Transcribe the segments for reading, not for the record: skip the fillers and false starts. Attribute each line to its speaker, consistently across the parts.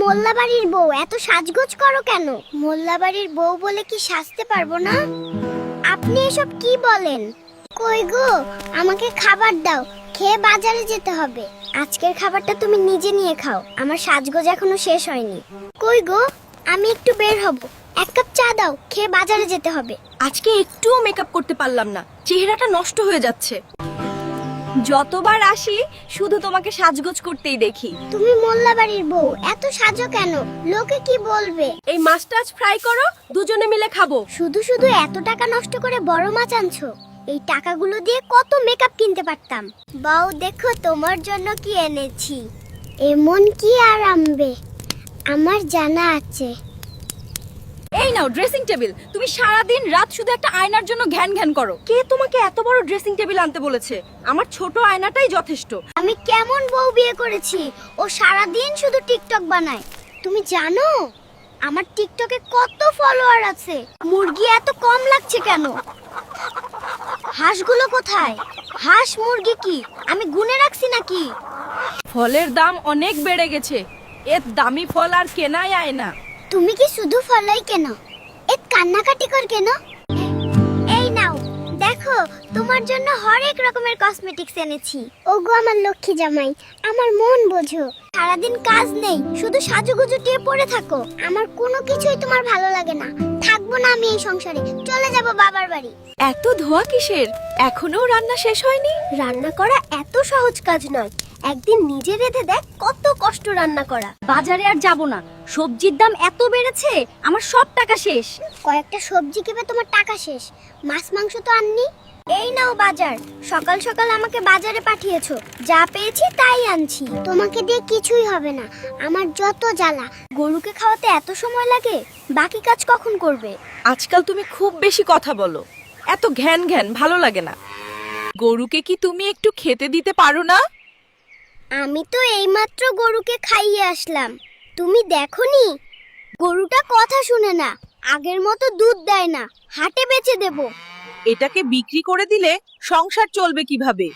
Speaker 1: মোল্লা বাড়ির বউ, এত সাজগোজ করো কেন? মোল্লা বাড়ির বউ বলে কি সাজতে পারবো না? আপনি এসব কি বলেন? কই গো, আমাকে খাবার দাও, খেয়ে বাজারে যেতে হবে। আজকের খাবারটা তুমি নিজে নিয়ে খাও, আমার সাজগোজ এখনো শেষ হয়নি। কই গো, আমি একটু বের হব, এক কাপ চা দাও, খেয়ে বাজারে যেতে হবে।
Speaker 2: আজকে একটুও মেকআপ করতে পারলাম না, চেহারাটা নষ্ট হয়ে যাচ্ছে। যতবার আসি শুধু তোমাকে সাজগোজ করতেই দেখি।
Speaker 1: তুমি মোল্লা বাড়ির বউ, এত সাজো কেন? লোকে কি বলবে?
Speaker 2: এই মাছটা আজ ফ্রাই করো, দুজনে মিলে খাবো।
Speaker 1: শুধু শুধু এত টাকা নষ্ট করে বড় মাছ আনছো, এই টাকাগুলো দিয়ে কত মেকআপ কিনতে পারতাম। বউ দেখো, তোমার জন্য কি এনেছি। এমন কি আর আনবে, আমার জানা আছে।
Speaker 2: এই নাও ড্রেসিং টেবিল। তুমি সারা দিন রাত শুধু একটা আয়নার জন্য ঘ্যান ঘ্যান করো। কে তোমাকে এত বড় ড্রেসিং টেবিল আনতে বলেছে? আমার ছোট আয়নাটাই যথেষ্ট।
Speaker 1: আমি কেমন বউ বিয়ে করেছি, ও সারা দিন শুধু টিকটক বানায়। তুমি জানো আমার টিকটকে কত ফলোয়ার আছে? মুরগি এত কম লাগছে কেন? হাঁসগুলো কোথায়? হাঁস মুরগি কি আমি গুনে রাখছি নাকি?
Speaker 2: ফলের দাম অনেক বেড়ে গেছে, এর দামি ফল আর কেনাই আয় না।
Speaker 1: তুমি কি শুধু ফলাই কেন, এক কান্নাকাটি কর কেন? এই নাও, দেখো তোমার জন্য হরেক রকমের কসমেটিক্স এনেছি। ওগো আমার লক্ষ্মী জামাই, আমার মন বোঝো। সারাদিন কাজ নেই, শুধু সাজুগুজু টিয়ে পড়ে থাকো। আমার কোনো কিছুই তোমার ভালো লাগে না। থাকবো না আমি এই সংসারে, চলে যাব বাবার বাড়ি।
Speaker 2: এত ধোয়া কিসের? এখনো রান্না শেষ হয়নি?
Speaker 1: রান্না করা এত সহজ কাজ নয়, একদিন নিজে রেঁধে দেখ কত কষ্ট রান্না করা।
Speaker 2: বাজারে আর যাব না, সবজির দাম এত বেড়েছে, আমার সব টাকা শেষ।
Speaker 1: কয়েকটা সবজি কেবে তোমার টাকা শেষ, মাছ মাংস তো আননি। এই নাও বাজার, সকাল সকাল আমাকে বাজারে পাঠিয়েছো, যা পেয়েছি তাই আনছি। তোমাকে দিয়ে কিছুই হবে না, আমার যত জ্বালা। গরুকে খাওয়াতে এত সময় লাগে, বাকি কাজ কখন করবে?
Speaker 2: আজকাল তুমি খুব বেশি কথা বলো, এত ঘ্যান ঘ্যান ভালো লাগে না। গরুকে কি তুমি একটু খেতে দিতে পারো না?
Speaker 1: আমি তো এইমাত্র গরুকে খাইয়ে আসলাম, তুমি দেখোনি? গরুটা কথা শুনে না, আগের মতো দুধ দেয় না, হাটে বেচে দেবো।
Speaker 2: এটাকে বিক্রি করে দিলে সংসার চলবে কিভাবে?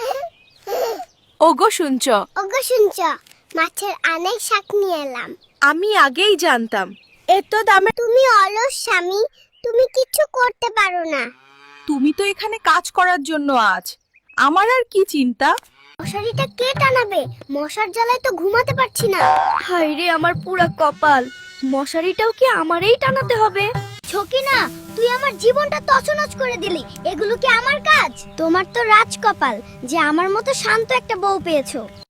Speaker 2: ওগো শুনছ?
Speaker 1: ওগো শুনছ, মাছের অনেক শাক নিয়ে এলাম।
Speaker 2: আমি আগেই জানতাম এত দামে।
Speaker 1: তুমি অলস স্বামী, তুমি কিছু করতে পারো না।
Speaker 2: তুমি তো এখানে কাজ করার জন্য আজ, আমার আর কি চিন্তা?
Speaker 1: মশারিটা কে টানাবে? মশার জ্বালায় তো ঘুমাতে পারছি না।
Speaker 2: হায় রে আমার পুরা কপাল, মশারিটাও কি আমারই টানাতে হবে?
Speaker 1: ছকিনা, তুই আমার জীবনটা তছনছ করে দিলি। এগুলো কি আমার কাজ? তোমার তো রাজ কপাল যে আমার মতো শান্ত একটা বউ পেয়েছো।